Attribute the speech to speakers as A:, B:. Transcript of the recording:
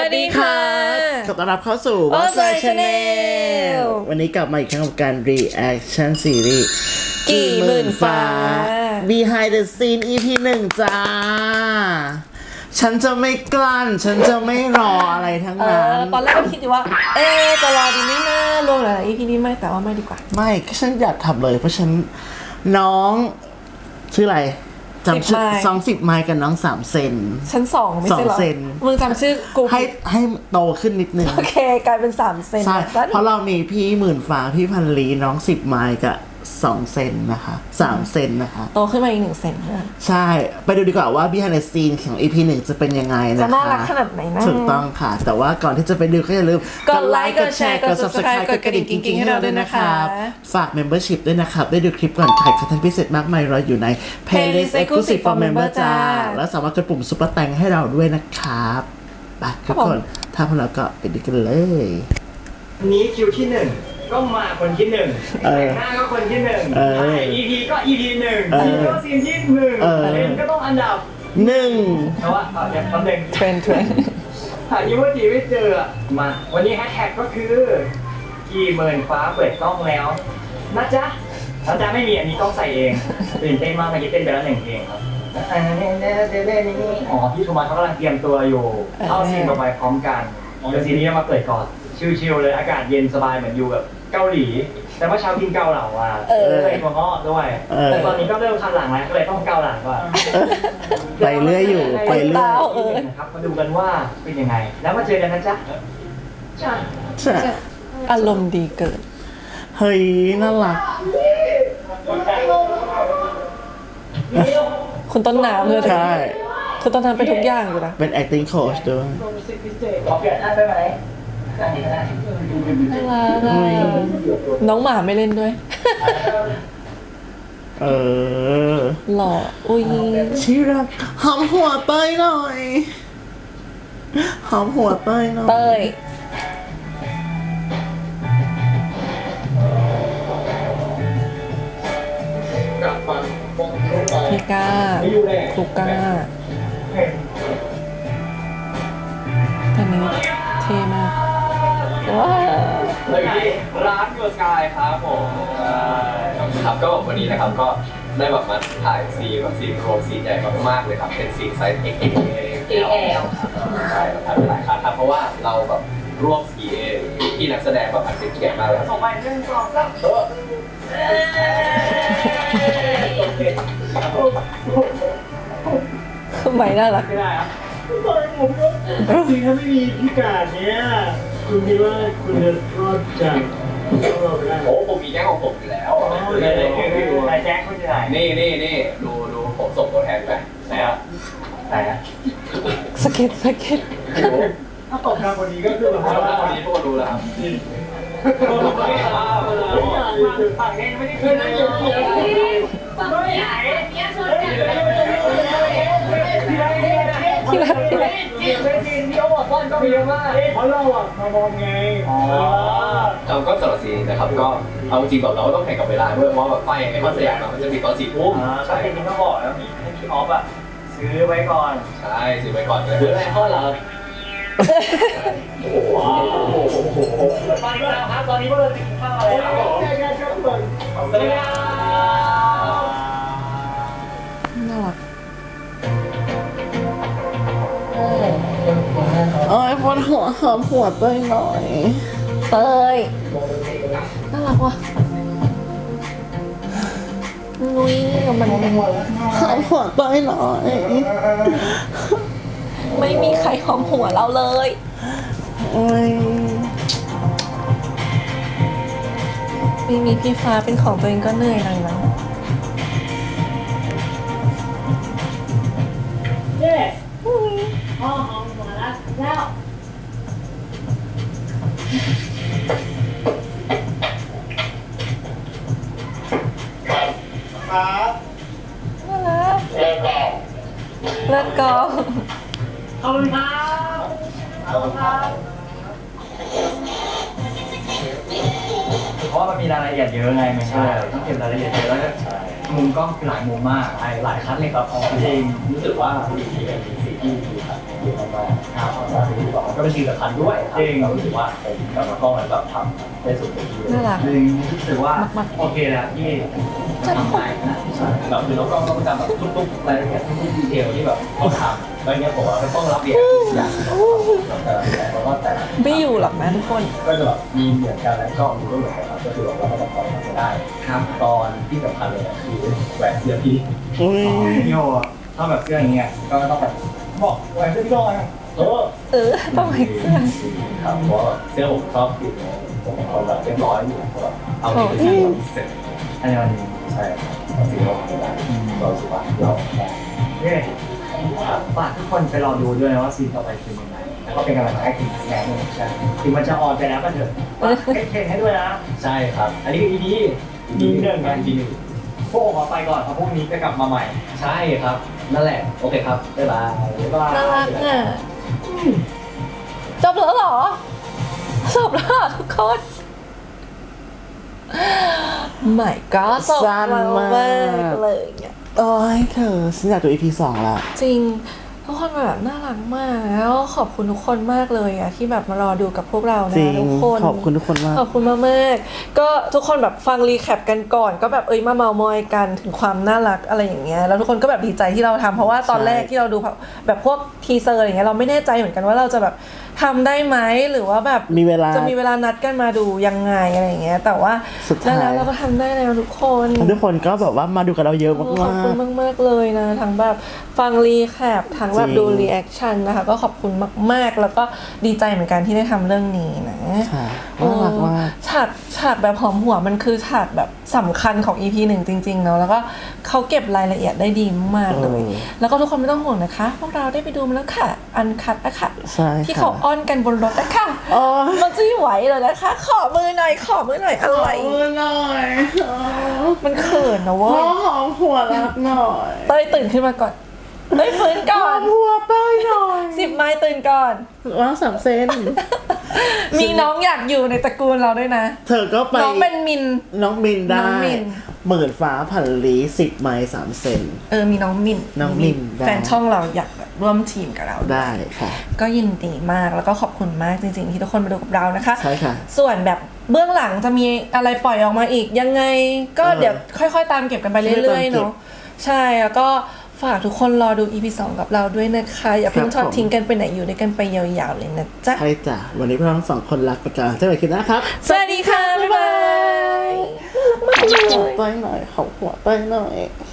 A: วัสดีค่ะ
B: ขอต้อนรับเข้าสู่
A: What's My Channel
B: วันนี้กลับมาอีกครั้งกับการ reaction series
A: กี่หมื่นฟ้า
B: Behind the Scene EP 1 จ้า ฉันจะไม่กลั้น ฉันจะไม่รออะไรทั้งนั้น
A: ตอนแรกก็คิดอยู่ว่า จะรอดีไหมนะรวมหลายๆ EP นี้ไหมแต่ว่าไม่ดีกว่า
B: ไม่ฉันอยากทำเลยเพราะฉันน้องชื่ออะไรจำชื่อ
A: 10
B: 20 ไมล์กับน้อง 3 เซน
A: ชั้น2ไม่ใช่เหรอ
B: 2 เซน
A: มึงจำชื่อกู
B: ให้โตขึ้นนิดนึง
A: โอเคกลายเป็น3 เซน
B: ใช่
A: แล้ว
B: เพราะเรามีพี่หมื่นฟ้าพี่พันลีน้อง10 ไมล์กับ2 เซนนะคะ3 เซนนะคะ
A: โตขึ้นมาอีก1 เซนนะ
B: ใช่ ไปดูดีกว่าว่า Behind the Scene ของ EP 1 จะเป็นยังไงนะคะ
A: จะน่ารักขนาดไหนนะ
B: ถูกต้องค่ะ แต่ว่าก่อนที่จะไปดูก็อย่าลืม
A: กดไลค์กดแชร์กด Subscribe กดกระดิ่งกิ๊งๆให้เราด้วยนะคะ
B: ฝาก Membership ด้วยนะครับ ได้ดูคลิปก่อนใครคอนเทนต์พิเศษมากมายรออยู่ใน Playlist Exclusive for Member จ้า แล้วสามารถกดปุ่มซุปเปอร์แตงให้เราด้วยนะครับไปทุกคนถ้าพวกเราก็ไปดูกันเลย
C: นี้คิวที่หนึ่งก็มาคนที่หนึ่งแต่งหน้าก็คนที่หนึ่งถ่าย EP ก็ EP หนึ่งซีนก็ซีนที่หนึ่งเลนก็ต้องอันดับ
B: 1
C: แต่ว่าเดี๋ยวแป๊บนึง
A: เทรน
C: หาอีโมจิไม่เจออะมาวันนี้แฮชแท็กก็คือกี่หมื่นฟ้าเปิดกล้องแล้วนะจ๊ะแล้วจ๊ะไม่มีอันนี้ต้องใส่เองตื่นเต้นมากเมื่อกี้เต้นไปแล้ว1 เพลงครับอ๋อพี่โทมัสเขากำลังเตรียมตัวอยู่เข้าซีนต่อไปพร้อมกันเดี๋ยวซีนนี้มาเปิดก่อนชิลๆเลยอากาศเย็นสบายเหมือนอยู่แบบเกาหลี แต่ว่าเช้ากินเกาเหลาอ่ะใส่ถั่วงอกด้วยแต่ตอนนี้ก็เริ่มคันหลังแล้วก็เลยต้องเกาหลังก่อน
B: ไปเรื่อยอยู่ไปเรื่อย
C: นะครับมาดูกันว่าเป็นยังไง แล้วมาเจอกันนะจ๊ะจ้า
B: ใช่
A: อารมณ์ดีเกิน
B: เฮ้ยน่ารัก
A: คุณต้นน้ำเลย
B: ใช่
A: คุณต้นน้ำเป็นทุกอย่างอยู่นะ
B: เป็น acting coach ด้วย
C: ขอเปลี่ยนหน้าได้ไหม
A: น่ารักน้องหมาไม่เล่นด้วย
B: เออ
A: หล่อ อุ้ย
B: ชิรักหอมหัวเต้ยหน่อยหอมหัวเต้ยหน่อย
A: เต้ย พี่ก้าลูก้าอันนี้เท่มากว้าว
C: เราอยู่ที่ร้านยูสกายครับผมครับก็วันนี้นะครับก็ได้แบบมาถ่ายซีนแบบซีนโครงซีนใหญ่มากๆเลยครับเป็นซีนไซส์ XL ใช่เราถ่ายไปหลายครั้งครับเพราะว่าเราแบบร่วม CA ที่นักแสดงแบบอัดเป็นเกียรติมากเลยส่งไป1 2 3
A: ทำไมน่ารัก
C: ไม่ได้ครับจริงถ้าไม่มีพิการเนี้ยคุณคิดว่าคุณจะรอดจากเราไปได้โอ้ผมมีแจ้งของผมอยู่แล้วไหนแจ้งคุณจะไหนนี่ดูผมส่งตัวแทนไปไหนอ่ะ
A: สเก็ต
C: ถ้าตกงานวันนี้ก็คือแบบว่าวันนี้พวกรู้แล้วครับฝั่งนี้ไม่ได้ขึ้นเลย
A: ที่รัก
C: ที่เขาบอกว่าก็มีว่าเพราะเราอ่ะมามองไงเราก็สำหรับซีนะครับก็เอาจริงแบบเราต้องแข่งกับเวลาด้วยเพราะแบบไฟในคอนสยามมันจะมีตอน4 ทุ่มใช่จริงต้องบอกแล้วให้พี่ออฟอ่ะซื้อไว้ก่อนใช่ซื้อไว้ก่อนเลยซื้ออะไรข้อเหรอว้าวตอนนี้ครับตอนนี้พวกเราจะกินข้าวอะไรครับสวัสดีครับ
A: น่ารัก
B: เอ้ยปวดหัวหอมหัวเต้ยหน่อย
A: เต้ยน่ารักว่ะนุ้ยมัน
B: หอมหัวเต้ยหน่อย
A: ไม่มีใครหอมหัวเราเลย
B: โอ้ย
A: ไม่มีพี่ฟ้าเป็นของตัวเองก็เหนื่อยหน่อยนะ
D: พ่อหอมหัวแล้ว
C: ครับ
A: น่ารักเลิศกอง
C: ขอบคุณครับขอบคุณครับเพราะว่ามันมีรายละเอียดเยอะไงไม่ใช่ต้องเก็บรายละเอียดเยอะแล้วก็
D: มุมกล้องหลายมุมมากหลายคัดเลยครับจริงรู้สึกว่าสีนี้เป็นสีที่ดีครับดีมากๆครับที่บอกก็เป็นสีสำคัญด้วยจริงเรารู้สึกว่าผมกับน้องกล้องมันแบบทำได้สุดที่
A: น่ารัก
D: จริงรู้สึกว่าโอเคแล้วที่ทำได้นะแบบคือน้องกล้องต้องจำแบบทุกๆรายละเอียดทุกๆดีเทลที่แบบต้องทำแล้วเนี้ยผมว่าต้องรับเรียนทุกอย่างแต่ว่าแต่
A: ไม่อยู่หรอกนะทุกคน
D: ก็จะแบบมีเหมือนกันแล้วก็มีก็เหมือนกันครับก็คือเราก็ต้องปล่อยมันไม่ได้ครับตอนที่สำคัญเลยคือแหวนเสื้อพี่พี่โยถ้าแบบเสื้ออย่างเงี้ยก็ต้องแบบบอกแหวนเสื้อพี่โยนะ
A: ต้องให้เสื้อ
D: ครับเพราะเสื้อผมชอบติดผมเป็นคนแบบเรียบร้อยอยู่แบบเอาไปเสร็จอันนี้มันใช่ครับสิ่งที่เราทำได้เราสุภาพเราเนี่ยฝากทุกคนไปรอดูด้วยนะว่าซีนต่อไปเป็นยังไงแล้วก็เป็นกำลังใจให้ทีมแสดงด้วยกันถึงมันจะออนไปแล้วก็เถอะเทรนให้ด้วยนะใช่ครับอันนี้คือ EP หนึ่งกัน EP หนึ่งพวกผมไปก่อนเพราะพรุ่งนี้จะกลับมาใหม่ใช่ครับนั่นแหละโอเคครับบ๊ายบาย
A: น่ารักอ่ะจบแล้วเหรอจบแล้วทุกคนไม่ก็จบแล้วมากเลยเนี่ย
B: โอ้ยเธอฉันอยากดู EP 2ละ
A: จริงทุกคนแบบน่ารักมากแล้วขอบคุณทุกคนมากเลยอะที่แบบมารอดูกับพวกเรานะทุกคน
B: ขอบคุณทุกคนมาก
A: ขอบคุณมากๆก็ทุกคนแบบฟังรีแคปกันก่อนก็แบบมาเมามอยกันถึงความน่ารักอะไรอย่างเงี้ยแล้วทุกคนก็แบบดีใจที่เราทำเพราะว่าตอนแรกที่เราดูแบบพวกทีเซอร์อะไรเงี้ยเราไม่แน่ใจเหมือนกันว่าเราจะแบบทำได้ไหมหรือว่าแบบจะมีเวลานัดกันมาดูยังไงอะไรอย่างเงี้ยแต่ว่าแล้วเราก็ทำได้แล้วทุกคน
B: ก็แบบว่ามาดูกับเราเยอะมาก
A: ขอบคุณมากๆเลยนะทั้งแบบฟังรีแคปทั้งแบบดูรีแอคชั่นนะคะก็ขอบคุณมากๆแล้วก็ดีใจเหมือนกันที่ได้ทำเรื่องนี้นะ
B: น่ารักมาก
A: ฉากแบบหอมหัวมันคือฉากแบบสำคัญของ EP 1จริงๆเนาะแล้วก็เขาเก็บรายละเอียดได้ดีมากเลยแล้วก็ทุกคนไม่ต้องห่วงนะคะพวกเราได้ไปดูมาแล้วค่ะอันคัทอะค่ะที่เขาอ้อนกันบนรถอะค่ะมันจะไหวเลยนะคะขอมือหน่อยอะไรมันเขินนะเว้ย
B: หอมหัวรักหน่อย
A: เต้ยตื่นขึ้นมาก่อนเต้ยฟื้นก่อน
B: หัวเต้ยหน่อย
A: 10 ไม้ตื่นก่อน
B: ว่า3 เซน
A: มีน้องอยากอยู่ในตระกูลเราด้วยนะ
B: เธอก็ไป
A: น้องเป็นมิน
B: ได้หมื่นฟ้าผันลี10 ไม้3 เซน
A: มีน้องมินแฟนช่องเราอยากร่วมทีมกับเรา
B: ได้ค่ะ
A: ก็ยินดีมากแล้วก็ขอบคุณมากจริงๆที่ทุกคนมาดูกับเรานะคะ
B: ใช่ค่ะ
A: ส่วนแบบเบื้องหลังจะมีอะไรปล่อยออกมาอีกยังไงก็เดี๋ยวค่อยๆตามเก็บกันไปเรื่อยๆเนาะใช่แล้วก็ฝากทุกคนรอดู EP 2กับเราด้วยนะคะอย่าเพิ่งทอดทิ้งกันไปไหนอยู่ด้วยกันไปยาวๆเลยนะจ๊ะ
B: ใช่จ้ะวันนี้พวกเราทั้ง2 คนลาไปก่อนเจอกันคลิปหน้าครับ
A: สวัสดีค่ะบ๊ายบาย
B: ขอหัวเต้ยหน่อย